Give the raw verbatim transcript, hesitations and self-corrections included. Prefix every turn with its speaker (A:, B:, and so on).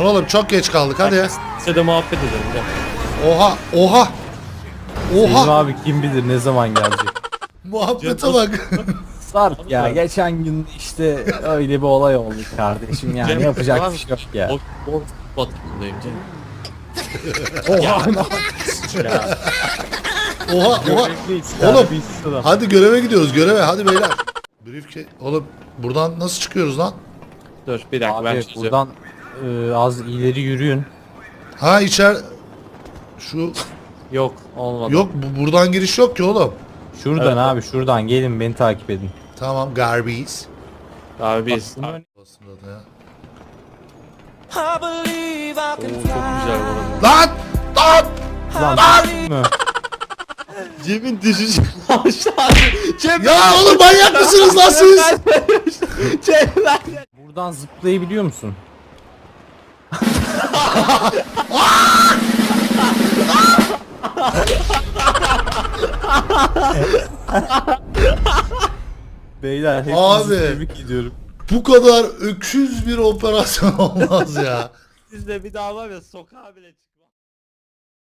A: Lan oğlum çok geç kaldık hadi ya.
B: Size de muhabbet edelim. Gel.
A: Oha oha.
C: Selim
A: Oha.
C: abi kim bilir ne zaman gelecek.
A: Muhabbete bak.
C: Sarp ya geçen gün işte öyle bir olay oldu kardeşim yani
B: Cem,
C: yapacak
B: var
C: bir şey yok ya.
B: O, o batımındayım canım.
C: Oha
B: Ya.
A: Oha oha. Oğlum hadi göreve gidiyoruz göreve hadi beyler. Briefcase. Oğlum buradan nasıl çıkıyoruz lan?
B: Dur bir dakika ben
C: Abi
B: çözeceğim.
C: buradan e, az ileri yürüyün.
A: Ha içer şu
B: Yok olmadı.
A: yok bu, buradan giriş yok ki oğlum.
C: Şuradan
B: Evet.
C: abi şuradan gelin beni takip edin.
A: Tamam Garbies.
B: Abi biz.
C: Bunlar-
A: Aslında da ya.
B: Oo, çok güzel bu arada.
A: Lan! Lan!
C: Lan mı?
B: Cem'in düşüşü aşağı. Cem
A: Ya oğlum manyak mısınız lan siz?
B: Cem ben.
C: Buradan zıplayabiliyor musun? Beyler hepinizi
A: Abi.
C: tebrik ediyorum.
A: Bu kadar öküz bir operasyon olmaz ya.
B: Siz de bir daha var ya sokağa bile çık.